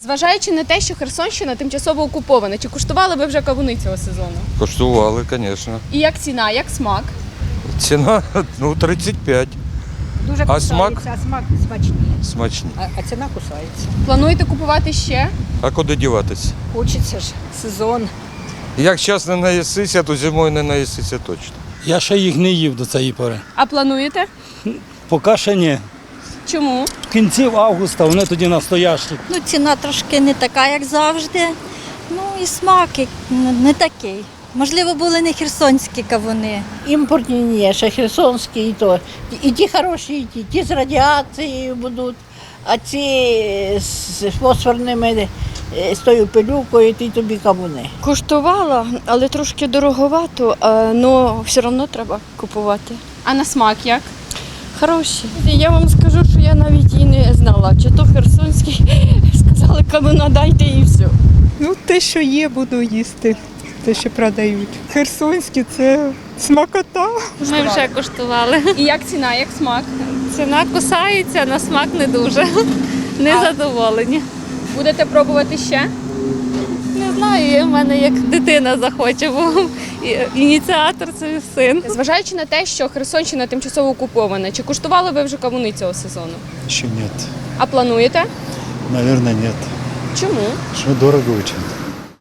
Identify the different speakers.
Speaker 1: Зважаючи на те, що Херсонщина тимчасово окупована, чи куштували ви вже кавуни цього сезону?
Speaker 2: Коштували, звісно.
Speaker 1: І як ціна, як смак?
Speaker 2: Ціна 35.
Speaker 3: Дуже
Speaker 2: А
Speaker 3: кусається,
Speaker 2: смак?
Speaker 3: а смак смачний.
Speaker 2: Смачні.
Speaker 3: А ціна кусається.
Speaker 1: Плануєте купувати ще?
Speaker 2: А куди діватися?
Speaker 3: Хочеться ж сезон.
Speaker 2: Як зараз не наїсися, то зимою не наїсися точно.
Speaker 4: Я ще їх не їв до цієї пори.
Speaker 1: А плануєте?
Speaker 4: Поки ще ні.
Speaker 1: Чому?
Speaker 4: В кінці августа вони тоді настоящі.
Speaker 5: Ну, ціна трошки не така, як завжди. Ну і смак не такий. Можливо, були не херсонські кавуни.
Speaker 6: Імпортні ні, ще херсонські і то. І ті хороші, і ті з радіацією будуть, а ці з фосфорними, з тою пилюкою, ті тобі кавуни.
Speaker 7: Куштувала, але трошки дороговато, але все одно треба купувати.
Speaker 1: А на смак як?
Speaker 7: Хороші. Я вам скажу, що я навіть і не знала, чи то херсонський, сказали, кавуна дайте і все.
Speaker 8: Ну, те, що є, буду їсти, те, що продають. Херсонські це смакота.
Speaker 9: Ми вже куштували.
Speaker 1: І як ціна, як смак?
Speaker 9: Ціна кусається, на смак не дуже. Не задоволені.
Speaker 1: Будете пробувати ще?
Speaker 9: Не знаю, в мене як дитина захоче, бо ініціатор це син.
Speaker 1: Зважаючи на те, що Херсонщина тимчасово окупована, чи куштували ви вже кавуни цього сезону?
Speaker 4: Ще ні.
Speaker 1: А плануєте?
Speaker 4: Наверное, нет.
Speaker 1: Чому?
Speaker 4: Що дорого очень.